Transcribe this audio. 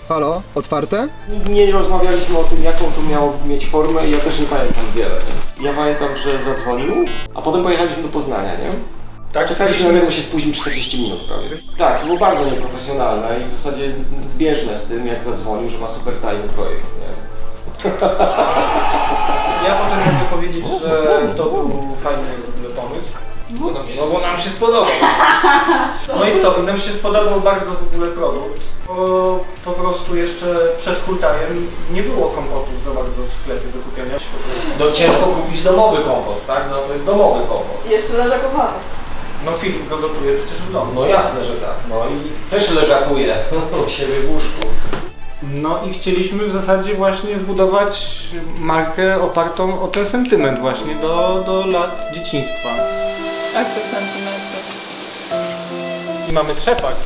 Halo? Otwarte? Nie rozmawialiśmy o tym, jaką to miało mieć formę i ja też nie pamiętam wiele, nie? Ja pamiętam, że zadzwonił, a potem pojechaliśmy do Poznania, nie? Tak, Czekaliśmy na niego, się spóźnił 40 minut prawie. Tak, to było bardzo nieprofesjonalne i w zasadzie jest zbieżne z tym, jak zadzwonił, że ma super tajny projekt, nie? Ja potem mogę powiedzieć, że to był fajny w ogóle pomysł. No bo nam się spodobał. No i co, nam się spodobał bardzo w ogóle produkt. Bo po prostu jeszcze przed hultajem nie było kompotów za bardzo w sklepie do kupienia. No ciężko kupić domowy kompot, tak? No to jest domowy kompot. Jeszcze leżakowany. No Filip go gotuje przecież w domu. No jasne, że tak. No i też leżakuje u siebie w łóżku. No i chcieliśmy w zasadzie właśnie zbudować markę opartą o ten sentyment właśnie do lat dzieciństwa. Jak to sentymenty? I mamy trzepak.